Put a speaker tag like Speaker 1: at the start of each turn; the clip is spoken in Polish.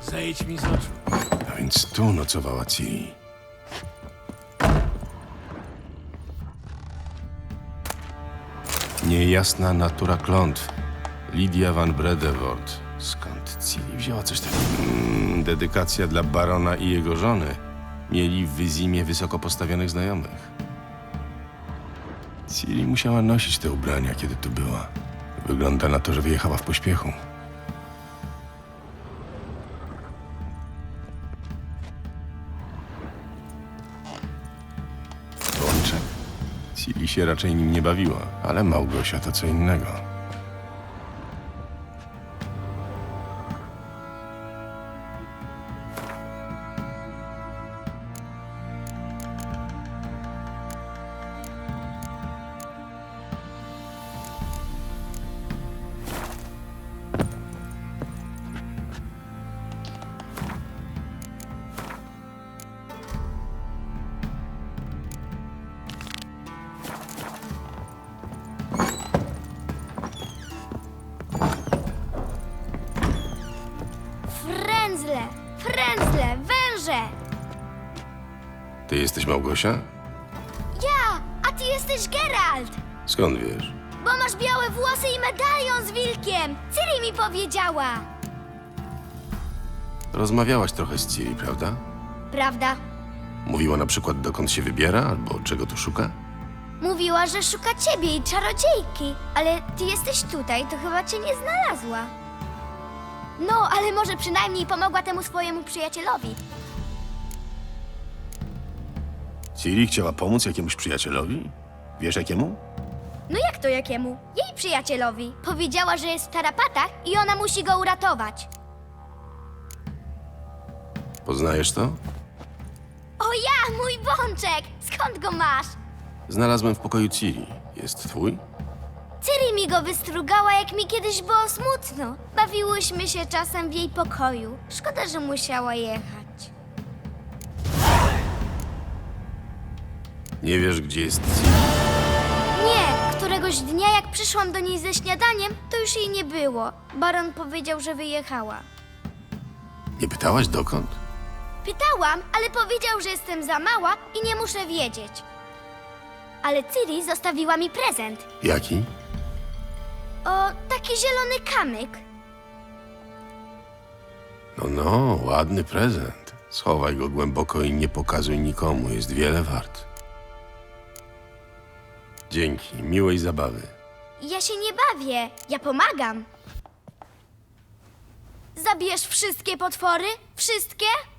Speaker 1: Zejdź mi z oczu.
Speaker 2: A więc tu nocowała Ciri. Niejasna natura klątw. Lidia van Bredevoort. Skąd Ciri wzięła coś takiego? Dedykacja dla barona i jego żony. Mieli w Wyzimie wysoko postawionych znajomych. Ciri musiała nosić te ubrania, kiedy tu była. Wygląda na to, że wyjechała w pośpiechu. Łączek? Ciri się raczej nim nie bawiła, ale Małgosia to co innego.
Speaker 3: Frędzle, węże!
Speaker 2: Ty jesteś Małgosia?
Speaker 3: Ja, a ty jesteś Geralt!
Speaker 2: Skąd wiesz?
Speaker 3: Bo masz białe włosy i medalion z wilkiem! Ciri mi powiedziała!
Speaker 2: Rozmawiałaś trochę z Ciri, prawda?
Speaker 3: Prawda?
Speaker 2: Mówiła na przykład, dokąd się wybiera, albo czego tu szuka?
Speaker 3: Mówiła, że szuka ciebie i czarodziejki, ale ty jesteś tutaj, to chyba cię nie znalazła. No, ale może przynajmniej pomogła temu swojemu przyjacielowi.
Speaker 2: Ciri chciała pomóc jakiemuś przyjacielowi? Wiesz jakiemu?
Speaker 3: No jak to jakiemu? Jej przyjacielowi. Powiedziała, że jest w tarapatach i ona musi go uratować.
Speaker 2: Poznajesz to?
Speaker 3: O ja, mój bączek! Skąd go masz?
Speaker 2: Znalazłem w pokoju Ciri. Jest twój?
Speaker 3: Ciri mi go wystrugała, jak mi kiedyś było smutno. Bawiłyśmy się czasem w jej pokoju. Szkoda, że musiała jechać.
Speaker 2: Nie wiesz, gdzie jest Ciri?
Speaker 3: Nie, któregoś dnia, jak przyszłam do niej ze śniadaniem, to już jej nie było. Baron powiedział, że wyjechała.
Speaker 2: Nie pytałaś dokąd?
Speaker 3: Pytałam, ale powiedział, że jestem za mała i nie muszę wiedzieć. Ale Ciri zostawiła mi prezent.
Speaker 2: Jaki?
Speaker 3: O, taki zielony kamyk.
Speaker 2: No, ładny prezent. Schowaj go głęboko i nie pokazuj nikomu. Jest wiele wart. Dzięki. Miłej zabawy.
Speaker 3: Ja się nie bawię, ja pomagam. Zabierz wszystkie potwory? Wszystkie?